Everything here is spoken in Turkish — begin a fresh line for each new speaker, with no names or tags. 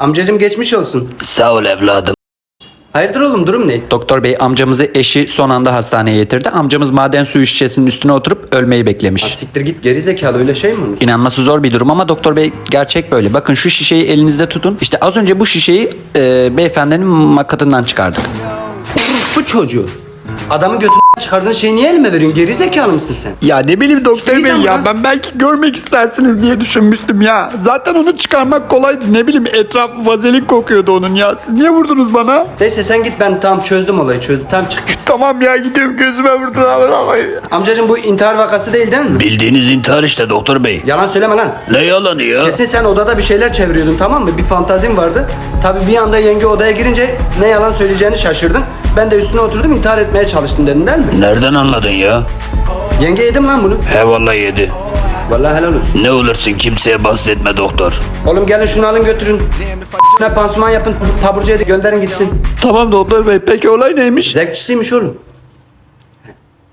Amcacım geçmiş olsun.
Sağ ol evladım.
Hayırdır oğlum, durum ne?
Doktor bey, amcamızı eşi son anda hastaneye getirdi. Amcamız maden suyu şişesinin üstüne oturup ölmeyi
Ha,
beklemiş.
siktir git, geri zekalı, öyle şey mi olur?
İnanması zor bir durum ama doktor bey, gerçek böyle. Bakın şu şişeyi elinizde tutun. İşte az önce bu şişeyi beyefendinin makatından çıkardık.
Bu çocuğu. Adamın götünden çıkardığın şeyi niye elime veriyorsun? Geri zekalı mısın sen?
Ya ne bileyim doktor
Siktir
bey
git
ya,
ama.
ben belki görmek istersiniz diye düşünmüştüm ya. Zaten onu çıkarmak kolaydı, ne bileyim etrafı vazelin kokuyordu onun ya. Siz niye vurdunuz bana?
Neyse sen git, ben tam çözdüm olayı, çözdüm. Tamam çık git.
Tamam ya, gidiyorum, gözüme vurdular ama.
Amcacım bu intihar vakası değil mi?
Bildiğiniz intihar işte doktor bey.
Yalan söyleme lan.
Ne yalanı ya?
Kesin sen odada bir şeyler çeviriyordun, tamam mı? Bir fantazin vardı. Tabii bir anda yenge odaya girince ne yalan söyleyeceğini şaşırdın. Ben de üstüne oturdum, intihar etmeye çalıştın dedin değil mi?
Nereden anladın ya?
Yenge yedim lan bunu.
He vallahi yedi.
Vallahi helal olsun.
Ne olursun kimseye bahsetme doktor.
Oğlum gelin şunu alın götürün. Ne pansuman yapın, taburcuya da gönderin gitsin.
Tamam doktor bey, peki olay neymiş?
Zevkçisiymiş oğlum.